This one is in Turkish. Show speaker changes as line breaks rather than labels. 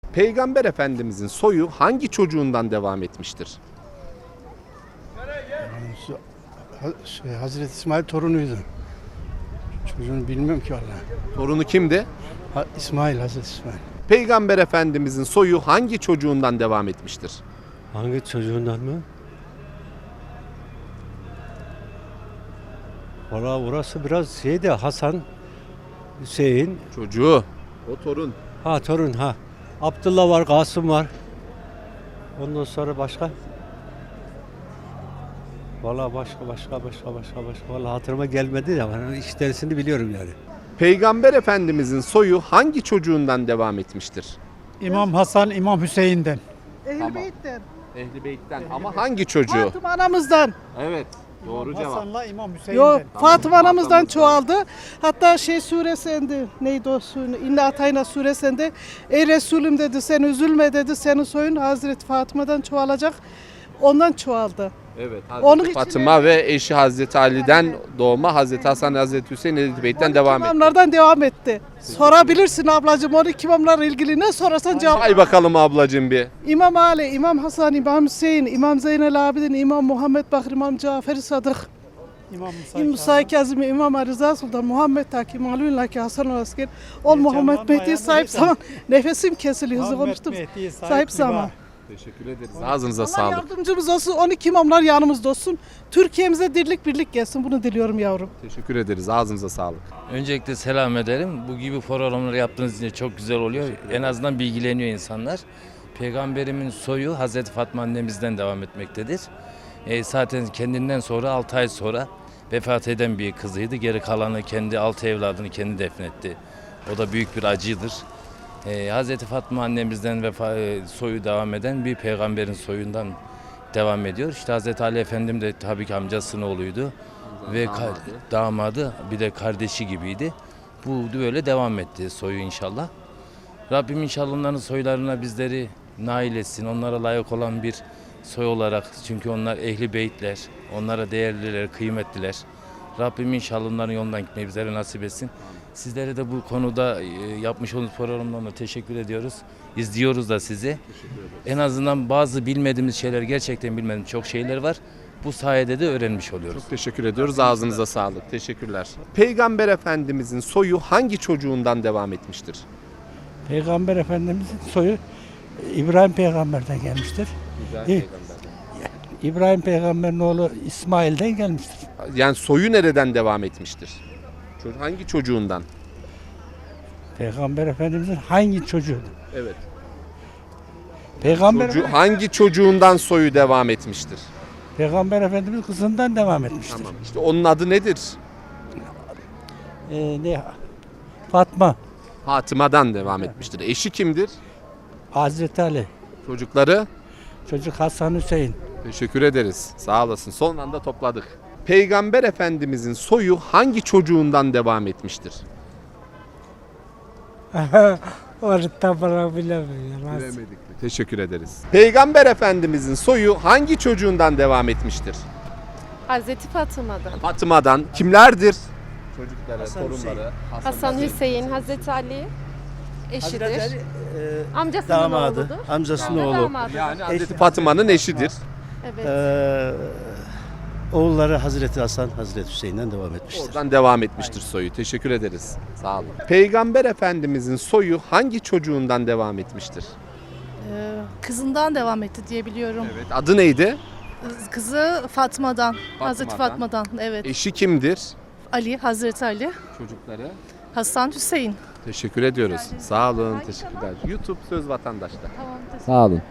Peygamber Efendimizin soyu hangi çocuğundan devam etmiştir?
Hazreti İsmail torunuydu. Çocuğunu bilmiyorum ki vallahi.
Torunu kimdi?
Hazreti İsmail.
Peygamber Efendimizin soyu hangi çocuğundan devam etmiştir?
Hangi çocuğundan mı? Valla burası biraz şeydi, Hasan, Hüseyin,
Çocuğu. O torun.
torun ha. Abdullah var, Kasım var. Ondan sonra başka? Valla başka. Valla hatırıma gelmedi ya. Ben işlerisini biliyorum yani.
Peygamber Efendimizin soyu hangi çocuğundan devam etmiştir?
İmam Hasan, İmam Hüseyin'den.
Tamam.
Beyt'ten.
Ehli Beyt'ten ama hangi çocuğu?
Fatıma anamızdan.
Evet. Doğru cevap.
Hasan'la İmam Hüseyin'den.
Yok, Fatıma anamızdan
Fatıma.
çoğaldı. Hatta suresinde neydi o sure? İnna Atayna suresinde ey Resulüm dedi sen üzülme dedi senin soyun Hazreti Fatıma'dan çoğalacak. Ondan çoğaldı.
Evet.
Onun
Hazreti
için
Fatıma ve eşi Hazreti Ali'den doğma Hazreti Hasan, Hazreti Hüseyin, Ehli Beyt'ten devam etti.
İmamlardan devam etti. Sorabilirsin ablacığım onu imamlarla ilgili ne sorarsan cevap.
Say bakalım ablacığım bir.
İmam Ali, İmam Hasan, İmam Hüseyin, İmam Zeynel Abidin, İmam Muhammed Bakır, İmam Cafer-i Sadık,
İmam
Musa Kazım, İmam Rıza Sultan, Muhammed Taki, Malvin Laki, Hasan Asker, ol Muhammed Mehdi sahip zaman. Nefesim kesiliyor hızlı konuştum. Sahip zaman.
Teşekkür ederiz. Ağzınıza
Allah
sağlık.
yardımcımız olsun, 12 imamlar yanımızda olsun. Türkiye'mize dirlik birlik gelsin, bunu diliyorum yavrum.
Teşekkür ederiz. Ağzınıza sağlık.
Öncelikle selam ederim. Bu gibi programları yaptığınız için çok güzel oluyor. En azından bilgileniyor insanlar. Peygamberimin soyu Hazreti Fatma annemizden devam etmektedir. Zaten kendinden sonra 6 ay sonra vefat eden bir kızıydı. Geri kalanı kendi 6 evladını kendi defnetti. O da büyük bir acıdır. Hazreti Fatma annemizden soyu devam eden bir peygamberin soyundan devam ediyor. İşte Hazreti Ali Efendim de tabii ki amcasının oğluydu ve damadı bir de kardeşi gibiydi. Bu böyle devam etti soyu inşallah. Rabbim inşallah onların soylarına bizleri nail etsin. Onlara layık olan bir soy olarak, çünkü onlar ehli beytler, onlara değerliler, kıymetliler. Rabbim inşallah onların yolundan gitmeyi bizlere nasip etsin. Sizlere de bu konuda yapmış olduğunuz programlarına teşekkür ediyoruz. İzliyoruz da sizi. En azından bazı bilmediğimiz şeyler, gerçekten bilmediğimiz çok şeyler var. Bu sayede de öğrenmiş oluyoruz.
Çok teşekkür ediyoruz. Ağzınıza sağlık. Teşekkürler. Peygamber Efendimizin soyu hangi çocuğundan devam etmiştir?
Peygamber Efendimizin soyu İbrahim Peygamber'den gelmiştir. İbrahim Peygamber'in oğlu İsmail'den gelmiştir.
Yani soyu nereden devam etmiştir? Hangi çocuğundan?
Peygamber Efendimizin hangi çocuğu?
Evet.
Peygamber
Çocuğundan soyu devam etmiştir?
Peygamber Efendimiz kızından devam etmiştir.
Tamam. İşte onun adı nedir?
Fatma,
Fatıma'dan devam etmiştir. Eşi kimdir?
Hazreti Ali,
Çocukları?
çocuk Hasan Hüseyin.
Teşekkür ederiz. Sağ olasın. Son anda topladık. Peygamber Efendimizin soyu hangi çocuğundan devam etmiştir?
Orada bana bilemiyorum.
Bilemedik mi? Teşekkür ederiz. Peygamber Efendimizin soyu hangi çocuğundan devam etmiştir?
Hazreti Fatıma'dan.
Fatıma'dan. Kimlerdir? Çocukları, torunları.
Hasan Hüseyin, Hazreti Ali eşidir. Amcasının
Damadı,
oğludur.
amcasının
Ve
oğlu.
damadı.
Yani Hazreti Fatıma'nın eşidir.
Evet.
Oğulları Hazreti Hasan, Hazreti Hüseyin'den devam etmiştir.
Oradan devam etmiştir soyu. Teşekkür ederiz. Sağ olun. Peygamber Efendimizin soyu hangi çocuğundan devam etmiştir?
Kızından devam etti diye biliyorum.
Evet. Adı neydi?
Kızı Fatma'dan, Hazreti Fatma'dan. Evet.
Eşi kimdir?
Ali, Hazreti Ali,
Çocukları.
Hasan Hüseyin.
Teşekkür ediyoruz. Sağ olun. Teşekkürler. YouTube Söz Vatandaş'ta.
Tamam,
Sağ olun.